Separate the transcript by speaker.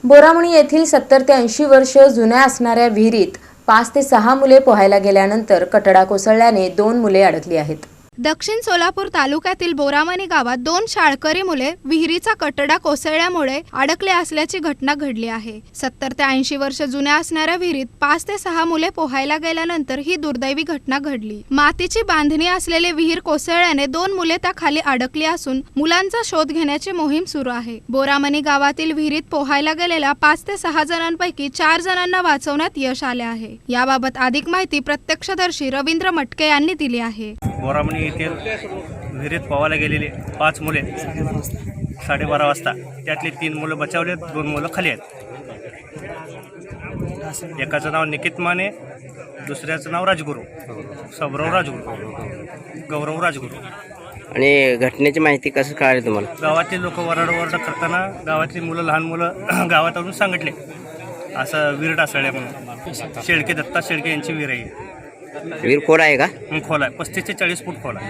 Speaker 1: बोरामणी येथील 70 ते 80 वर्ष जुन्या असणाऱ्या विहिरीत 5 ते 6 मुले पोहायला गेल्यानंतर कटडा कोसळल्याने 2 मुले अडकली आहेत।
Speaker 2: दक्षिण सोलापूर तालुक्यातील बोरामणी गावात 2 शाळकरी मुले विहिरीचा कटडा कोसळल्यामुळे अडकले असल्याची घटना घडली आहे। 70 ते 80 वर्ष जुन्या असणाऱ्या विहिरीत 5 ते 6 मुले पोहायला गेल्यानंतर ही दुर्दैवी घटना घडली। मातीची बांधणी असलेले विहीर कोसळल्याने 2 मुले त्या खाली अडकली असून मुलांचा शोध घेण्याची मोहीम सुरू आहे। बोरामणी गावातील विहिरीत पोहायला गेलेल्या 5 ते 6 जणांपैकी 4 जणांना वाचवण्यात यश आले आहे। याबाबत अधिक माहिती प्रत्यक्षदर्शी रवींद्र मटके यांनी दिली आहे।
Speaker 3: बोरामणी येथील विहिरीत पोहायला गेलेले 5 मुले 12:30 वाजता त्यातली 3 मुलं बचावले, 2 मुलं खाली आहेत। एकाचं नाव निकित माने, दुसऱ्याचं नाव राजगुरू, सबराव राजगुरू, गौरव राजगुरू।
Speaker 4: आणि घटनेची माहिती कसं कळाली तुम्हाला?
Speaker 3: गावातले लोक वरड करताना गावातली मुलं, लहान मुलं गावात आणून सांगितले असं विहीर ढासळल्या म्हणून। शेळके, दत्ता शेळके यांची विहीर आहे।
Speaker 4: विहीर खोल आहे का?
Speaker 3: खोल आहे, 35 ते 40 फूट खोल आहे।